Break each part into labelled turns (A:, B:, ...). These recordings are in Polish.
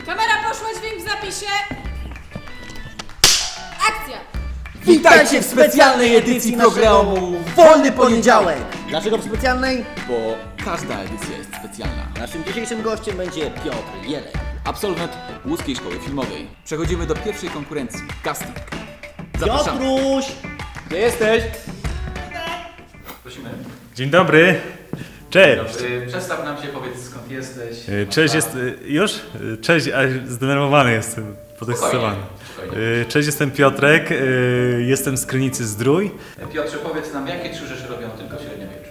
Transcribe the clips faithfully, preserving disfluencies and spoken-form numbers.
A: Kamera poszła, dźwięk w zapisie. Akcja!
B: Witajcie w specjalnej edycji programu Wolny Poniedziałek!
C: Dlaczego w specjalnej?
B: Bo każda edycja jest specjalna.
C: Naszym dzisiejszym gościem będzie Piotr Jelek.
B: Absolwent Łódzkiej Szkoły Filmowej. Przechodzimy do pierwszej konkurencji. Casting. Zapraszamy.
C: Piotruś!
B: Gdzie jesteś?
D: Prosimy.
E: Dzień dobry. Cześć.
D: Dobry. Przedstaw nam się, powiedz skąd jesteś.
E: E, Cześć, jest już? E, Cześć, a zdenerwowany jestem, podekscytowany.
D: Spokojnie.
E: E, Cześć, jestem Piotrek, e, jestem z Krynicy Zdrój.
D: Piotrze, powiedz nam, jakie trzy rzeczy robią tylko w średniowieczu?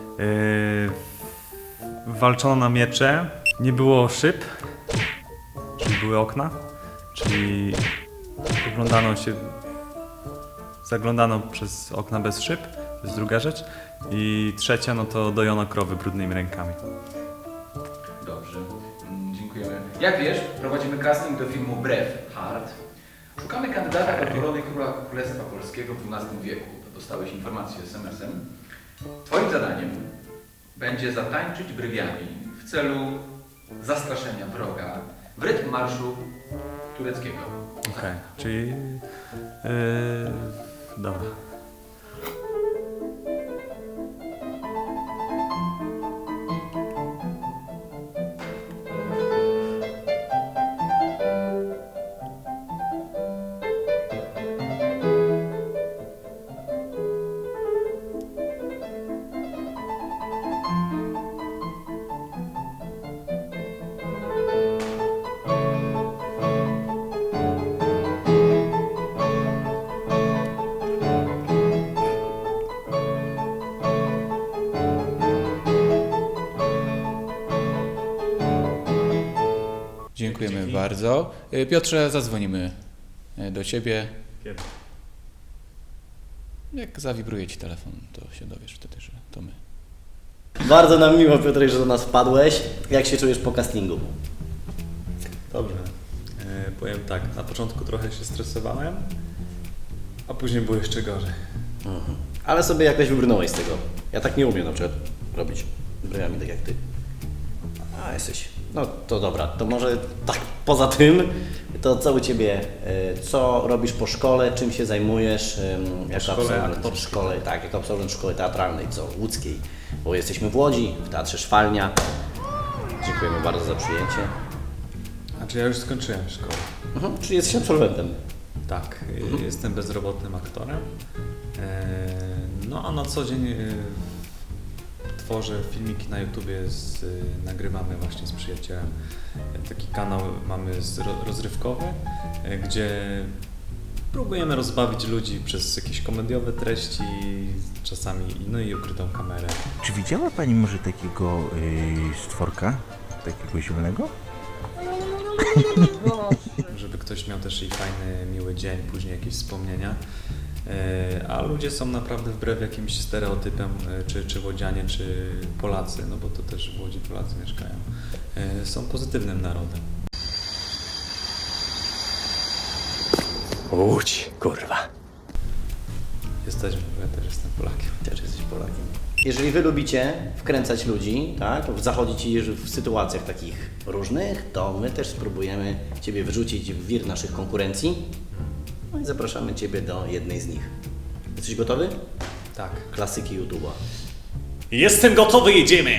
E: E, Walczono na miecze, nie było szyb, czyli były okna, czyli oglądano się, zaglądano przez okna bez szyb, to jest druga rzecz. I trzecia, no to dojono krowy brudnymi rękami.
D: Dobrze, mm, dziękujemy. Jak wiesz, prowadzimy casting do filmu Braveheart. Szukamy kandydata do korony króla Królestwa Polskiego w dwunastym wieku. To dostałeś informację es em esem. Twoim zadaniem będzie zatańczyć brywiami w celu zastraszenia wroga w rytm marszu tureckiego.
E: Okej, okay. Czyli... Yy, dobra.
F: Dziękujemy
E: Dzięki.
F: bardzo. Piotrze, zadzwonimy do Ciebie.
E: Kiedy?
F: Jak zawibruje Ci telefon, to się dowiesz wtedy, że to my.
C: Bardzo nam miło, Piotrek, że do nas wpadłeś. Jak się czujesz po castingu?
E: Dobrze. E, powiem tak, na początku trochę się stresowałem, a później było jeszcze gorzej.
C: Mhm. Ale sobie jakoś wybrnąłeś z tego. Ja tak nie umiem na przykład robić bryjami tak jak Ty. A, jesteś. No to dobra, to może tak poza tym, to co u Ciebie, y, co robisz po szkole, czym się zajmujesz ym, jako
E: szkole
C: absolwent
E: aktorskiej.
C: szkole, tak, jako absolwent szkoły teatralnej, co łódzkiej, bo jesteśmy w Łodzi, w Teatrze Szwalnia. Dziękujemy bardzo za przyjęcie.
E: Znaczy ja już skończyłem szkołę.
C: Mhm. Czyli jesteś absolwentem.
E: Tak, e, jestem bezrobotnym aktorem. E, no a na co dzień e, tworzę filmiki na YouTubie, z, e, nagrywamy właśnie z przyjacielem. E, taki kanał mamy z, ro, rozrywkowy, e, gdzie próbujemy rozbawić ludzi przez jakieś komediowe treści, czasami no i ukrytą kamerę.
G: Czy widziała Pani może takiego yy, stworka? Takiego zielonego?
E: Żeby ktoś miał też i fajny, miły dzień, później jakieś wspomnienia. E, A ludzie są naprawdę wbrew jakimś stereotypem, e, czy, czy łodzianie, czy Polacy, no bo to też w Łodzi Polacy mieszkają, e, są pozytywnym narodem.
G: Łódź, kurwa.
E: Jesteśmy, bo ja też jestem Polakiem.
C: Też jesteś Polakiem. Jeżeli Wy lubicie wkręcać ludzi, tak, zachodzić w sytuacjach takich różnych, to my też spróbujemy Ciebie wyrzucić w wir naszych konkurencji. No i zapraszamy Ciebie do jednej z nich. Jesteś gotowy?
E: Tak.
C: Klasyki YouTube'a.
E: Jestem gotowy, jedziemy!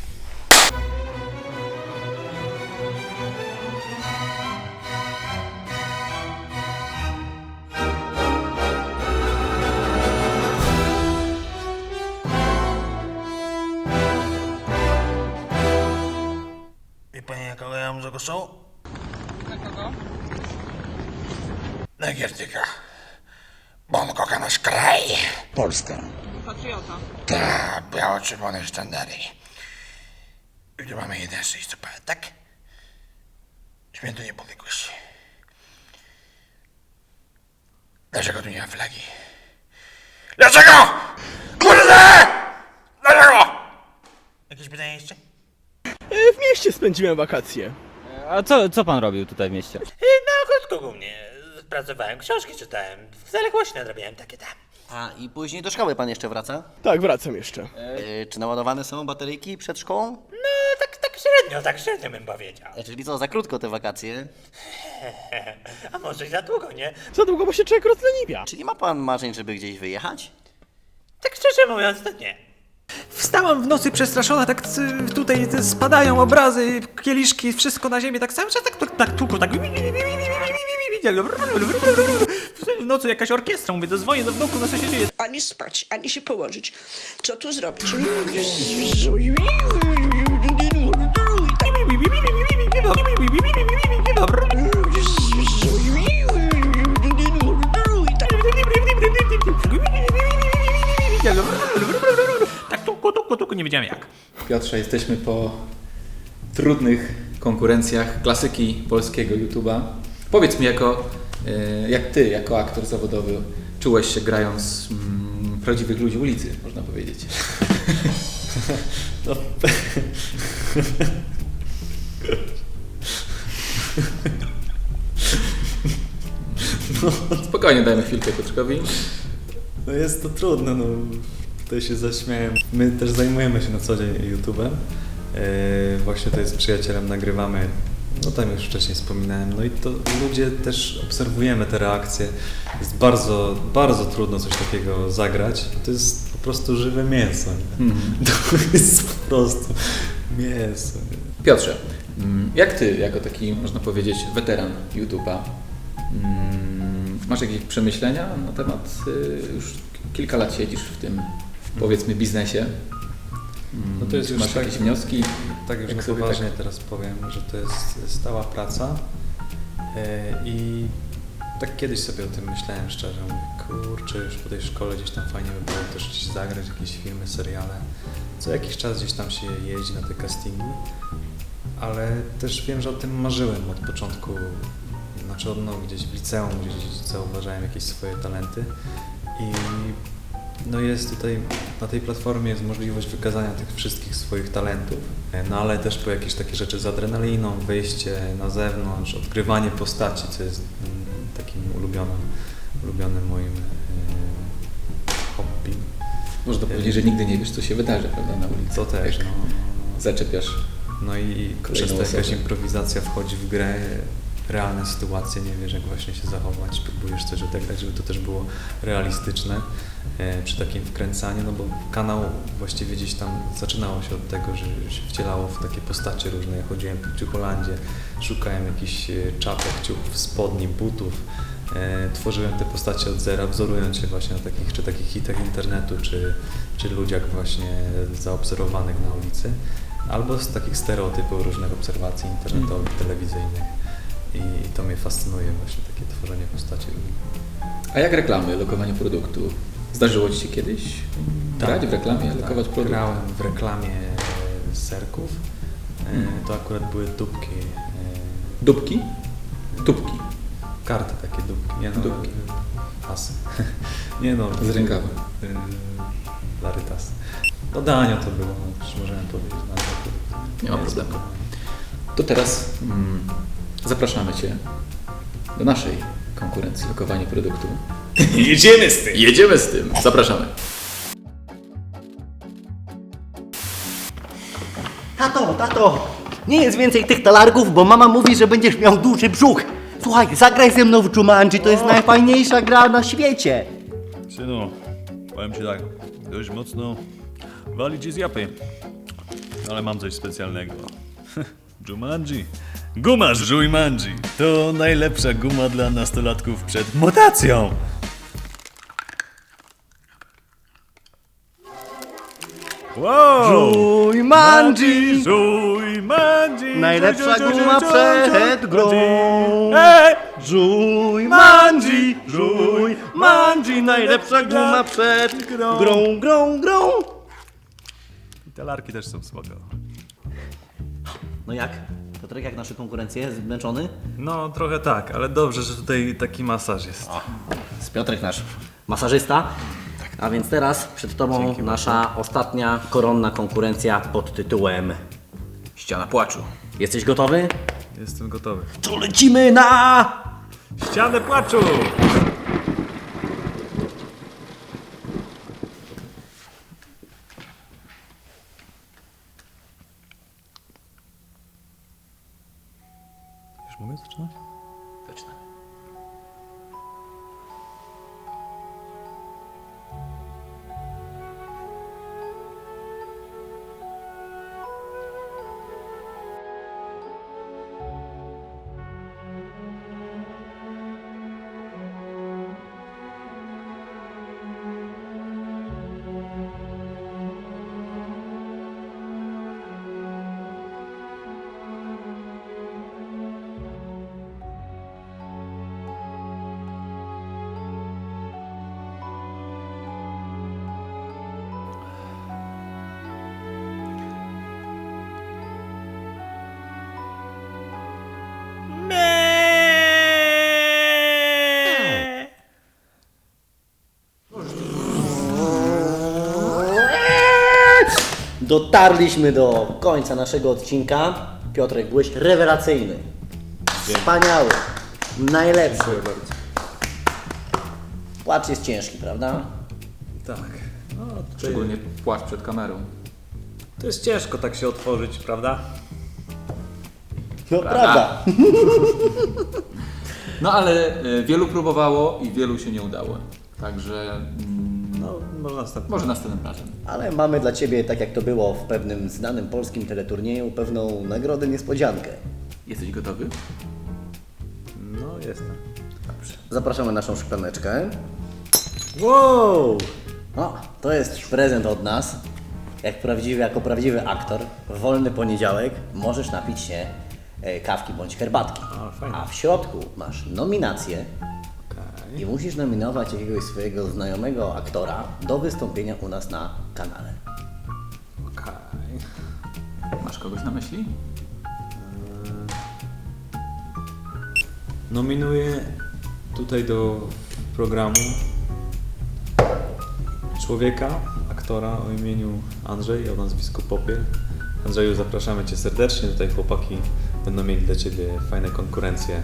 G: Wie Pani, jakiego ja mam zagłosu?
A: Na kogo?
G: Na Giertyka. Bo on kocha nasz kraj. Polska.
A: Patriota.
G: Ta, biało-czerwone sztandary. I tu mamy jeden z listopada, tak? Święto niepodległości. Dlaczego tu nie ma flagi? Dlaczego? Kurde! Dlaczego? Jakieś pytanie jeszcze?
H: W mieście spędziłem wakacje.
I: A co, co pan robił tutaj w mieście?
H: Na krótko głównie. Pracowałem, książki czytałem, w zaległości nadrabiałem takie tam.
C: A i później do szkoły Pan jeszcze wraca?
H: Tak, wracam jeszcze.
C: Yy, czy naładowane są bateryjki przed szkołą?
H: No, tak, tak średnio. średnio, tak średnio bym powiedział.
C: E, Czyli co, za krótko te wakacje?
H: A może i za długo, nie?
I: Za długo, bo się człowiek rozleniwia.
C: Czy nie ma pan marzeń, żeby gdzieś wyjechać?
H: Tak szczerze mówiąc, to nie.
J: Wstałam w nocy przestraszona, tak c- tutaj te spadają obrazy, kieliszki, wszystko na ziemię, tak cały czas tak, tak tłuko, tak... W nocy jakaś orkiestra, mówię, dzwonię do wnuku, no co się dzieje?
A: Ani spać, ani się położyć. Co tu zrobić?
J: Tak tuku, tuku, tuku, nie wiedziałem jak.
F: Piotrze, jesteśmy po trudnych konkurencjach klasyki polskiego YouTube'a. Powiedz mi, jako, e, jak ty, jako aktor zawodowy, czułeś się grając mm, prawdziwych ludzi ulicy, można powiedzieć.
E: No.
F: Spokojnie, dajmy chwilkę Piotrkowi.
E: No jest to trudne, no tutaj się zaśmiałem. My też zajmujemy się na co dzień YouTube'em. Yy, właśnie to jest z przyjacielem, nagrywamy, no tam już wcześniej wspominałem, no i to ludzie też obserwujemy te reakcje. Jest bardzo, bardzo trudno coś takiego zagrać. To jest po prostu żywe mięso. Nie?
F: Mhm.
E: To jest po prostu mięso. Nie?
F: Piotrze, mm, jak ty, jako taki, można powiedzieć, weteran YouTube'a, mm, masz jakieś przemyślenia na temat, y, już kilka lat siedzisz w tym, powiedzmy, biznesie?
E: No to jest już
F: Masz
E: tak,
F: jakieś wnioski?
E: Tak już
F: Jak
E: na
F: sobie
E: poważnie
F: tak-
E: teraz powiem, że to jest stała praca yy, i tak kiedyś sobie o tym myślałem szczerze, mówię, kurczę, już po tej szkole gdzieś tam fajnie by było też gdzieś zagrać jakieś filmy, seriale. Co jakiś czas gdzieś tam się jeździ na te castingi, ale też wiem, że o tym marzyłem od początku, znaczy od no, gdzieś w liceum, gdzieś zauważałem jakieś swoje talenty i no jest tutaj, na tej platformie jest możliwość wykazania tych wszystkich swoich talentów, no ale też po jakieś takie rzeczy z adrenaliną, wyjście na zewnątrz, odgrywanie postaci, co jest mm, takim ulubionym, ulubionym moim e, hobby.
F: Można powiedzieć, że nigdy nie wiesz, co się wydarzy, prawda, na ulicy.
E: To też,
F: Jak
E: no.
F: zaczepiasz.
E: No i
F: Kolejną
E: często jakaś
F: osobę.
E: improwizacja wchodzi w grę, realne sytuacje, nie wiesz jak właśnie się zachować, próbujesz coś odegrać, żeby to też było realistyczne e, przy takim wkręcaniu, no bo kanał właściwie gdzieś tam zaczynało się od tego, że się wcielało w takie postacie różne. Ja chodziłem po Ciucholandzie, szukałem jakichś e, czapek, ciuchów, spodni, butów, e, tworzyłem te postacie od zera, wzorując się właśnie na takich, czy takich hitach internetu, czy, czy ludziach właśnie zaobserwowanych na ulicy, albo z takich stereotypów różnych obserwacji internetowych, telewizyjnych. I to mnie fascynuje właśnie, takie tworzenie postaci.
F: A jak reklamy, lokowanie produktu? Zdarzyło Ci się kiedyś grać w reklamie, lokować
E: tak,
F: produkt?
E: grałem w reklamie serków. E, To akurat były dupki. e,
F: Dupki? Dupki.
E: Karty takie dupki. Nie no,
F: Dupki.
E: e, Pasy. Nie no.
F: Z rękawa.
E: e, Larytas. No Danio to było, no, już możemy powiedzieć. No,
F: Nie ma problemu. To teraz mm, zapraszamy Cię do naszej konkurencji, lokowanie produktu.
J: Jedziemy z tym!
F: Jedziemy z tym! Zapraszamy.
C: Tato, tato, nie jest więcej tych talarków, bo mama mówi, że będziesz miał duży brzuch. Słuchaj, zagraj ze mną w Jumanji, to jest najfajniejsza gra na świecie.
K: Synu, powiem ci tak, dość mocno wali ci z japy, ale mam coś specjalnego. Jumanji. Guma z Jumanji. To najlepsza guma dla nastolatków przed mutacją. Wow!
C: Jumanji!
K: Jumanji!
C: Najlepsza guma przed grą.
K: Ej!
C: Jumanji! Jumanji! Najlepsza guma przed grą, grą, grą.
K: I talarki też są spoko.
C: No jak? Piotrek, jak nasze konkurencje? Zmęczony?
E: No trochę tak, ale dobrze, że tutaj taki masaż jest.
C: Z Piotrek nasz masażysta. A więc teraz przed Tobą nasza ostatnia koronna konkurencja pod tytułem
F: Ściana płaczu.
C: Jesteś gotowy?
E: Jestem gotowy.
C: To lecimy na...
K: Ścianę płaczu! Czy mogę zaczynać?
D: Zaczynamy.
C: Dotarliśmy do końca naszego odcinka. Piotrek, byłeś rewelacyjny. Wspaniały. Najlepszy. Płacz jest ciężki, prawda?
E: Tak. No, tutaj
F: Szczególnie płacz przed kamerą.
E: to jest ciężko tak się otworzyć, prawda?
C: No prawda.
F: No ale y, wielu próbowało i wielu się nie udało. Także mm,
E: No, może następnym.
F: może następnym razem.
C: Ale mamy dla Ciebie, tak jak to było w pewnym znanym polskim teleturnieju, pewną nagrodę niespodziankę.
F: Jesteś gotowy?
E: No, jestem.
C: Zapraszamy naszą szklaneczkę. Wow! O, to jest prezent od nas. Jak prawdziwy, jako prawdziwy aktor, w wolny poniedziałek możesz napić się e, kawki bądź herbatki.
E: A, fajnie.
C: A w środku masz nominację
E: Okej.
C: i musisz nominować jakiegoś swojego znajomego aktora do wystąpienia u nas na kanale.
E: Okej.
F: Masz kogoś na myśli?
E: Nominuję tutaj do programu człowieka, aktora o imieniu Andrzej, o nazwisku Popiel. Andrzeju, zapraszamy Cię serdecznie. Tutaj chłopaki będą mieli dla Ciebie fajne konkurencje.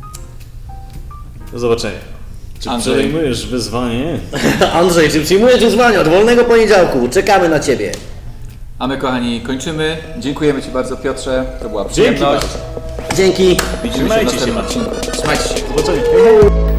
E: Do zobaczenia. Czy
F: Andrzej.
E: przejmujesz wyzwanie?
C: Andrzej, czy przyjmujesz wyzwanie od wolnego poniedziałku? Czekamy na Ciebie.
F: A my, kochani, kończymy. Dziękujemy Ci bardzo, Piotrze. To była
E: Dzięki
F: przyjemność.
E: bardzo.
C: Dzięki.
F: Widzimy się w
E: Trzymajcie się,
F: następnym odcinku. Trzymajcie się.
E: Do zobaczenia.